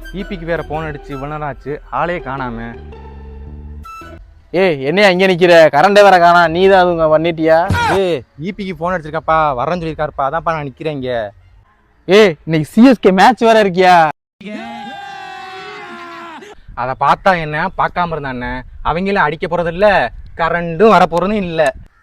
ஈபிக்கு வேற போன் அடிச்சு இவ்வளோ நேரம் ஆச்சு, ஆளே காணாம. என்னையா இங்கே நிற்கிற? கரண்டே வேற காணா, நீ தான் அதுங்க பண்ணிட்டியா? ஈபிக்கு போன் அடிச்சிருக்காப்பா, வரேன்னு சொல்லியிருக்காருப்பா, அதான்ப்பா நான் நிற்கிறேன் இங்கே. இன்னைக்கு சிஎஸ்கே மேட்ச் வேற இருக்கியா? அதை பார்த்தா என்ன, பார்க்காம இருந்தானே, அவங்களும் அடிக்க போறது இல்லை, கரண்டும் வர போறதும் இல்லை.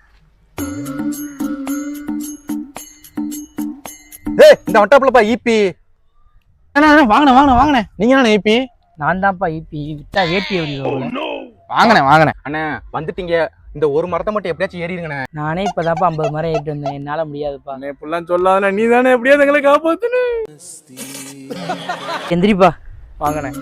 இந்த வட்டப்புலப்பா ஈபி. வாங்கினேன். நீங்க என்ன ஈபி? நான் தான்ப்பா ஈபி. விட்டா வேட்டி வாங்கினேன். அண்ணே வந்துட்டீங்க, இந்த ஒரு மரத்தை மட்டும் எப்படியாச்சும் ஏறிடுங்கண்ணே. நானே இப்பதான்ப்பா 50 மரம் ஏறிட்டு வந்தேன். என்னால முடியாதுப்பா. இப்பெல்லாம் சொல்லாத, நீ தானே எப்படியாவது எங்களை காப்பாத்துன. எந்திரிப்பா. வாங்கினேன்.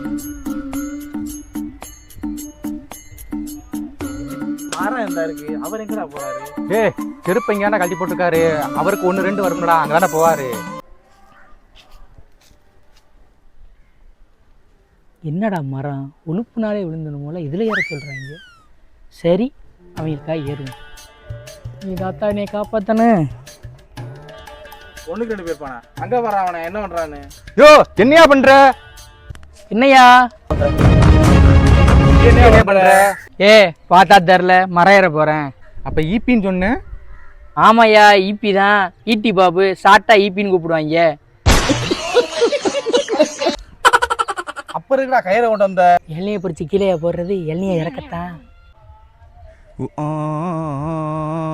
மரம் எந்த இருக்கு? அவர் எங்கடா போறாரு? செருப்பு எங்கேயாண்டா கழட்டி போட்டுருக்காரு, அவருக்கு 1 2 வரும்டா, அங்கதானே போவாரு. என்னடா மரம் உழுப்புனாலே விழுந்தணுமோல, இதுல ஏற சொல்றாங்க. சரி, அவங்களுக்கா ஏறும். நீ தாத்தா என்னை காப்பாத்தானே. 1க்கு 2 பேர் போனா அங்க வர. அவனை என்ன பண்றான்னு? என்னையா பண்ற? என்னையா பண்ற? பார்த்தா தெரில, மரம் ஏற போறேன். அப்ப ஈபின்னு சொன்ன? ஆமாய்யா, ஈபி தான். ஈட்டி பாபு, ஷார்ட்டா ஈபின்னு கூப்பிடுவாங்க. அப்ப இருக்கா கயிறை கொண்டு வந்த? எண்ணெயை பிடிச்சி கீழே போடுறது, எண்ணெயை இறக்கத்தான்.